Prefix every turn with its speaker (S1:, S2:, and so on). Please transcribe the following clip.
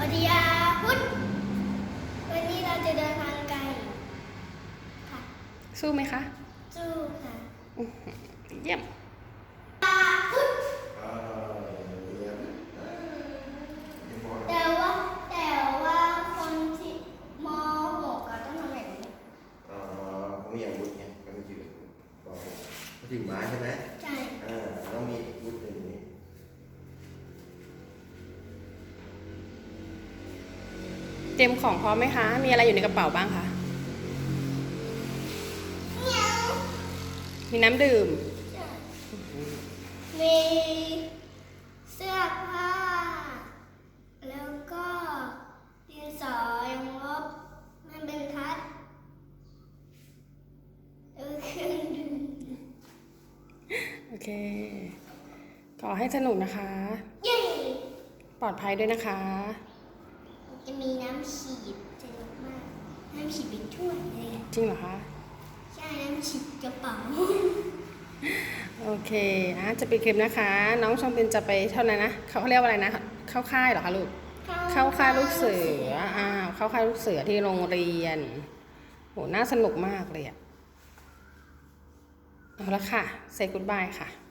S1: วัสดีอาพุธวันนี้เราจะเดินทางไกลค่ะ
S2: สู้ไหมคะ
S1: สู้ค่ะ
S2: เยี่ยม
S1: อาพุธแต่ว่าคนที่ม .6 ก็ต้องทำแบบนี้
S3: เขามีอาวุธไงก็มีชื่อบอกเขาถือไม้ใช่ไหม
S1: ใช่
S3: ต้องมีอาวุธอย่างนี้
S2: เตรียมของพร้อมไหมคะ มีอะไรอยู่ในกระเป๋าบ้างคะ มีน้ำดื่ม
S1: มีเสื้อผ้าแล้วก็ดินสอยังลบมันเป็นทัดเครื่องดื่ม
S2: โอเค ขอให้สนุกนะคะ
S1: เย้
S2: ปลอดภัยด้วยนะคะ
S1: จะมีน้ำฉีดสนุกมากน้ำฉีดเป็นถ้วยเลยอะ
S2: จริงเหรอคะ
S1: ใช่น้ำฉีดกระเป๋า
S2: โอเคจะปิดคลิปนะคะ น้องชองปินจะไปเท่านั้นนะเขาเรียกว่าอะไรนะ เข้าค่ายเหรอคะลูก เข้าค่ายลูกเสือเข้าค่ายลูกเสือที่โรงเรียนโหน่าสนุกมากเลยอะเอาละค่ะ say goodbye ค่ะ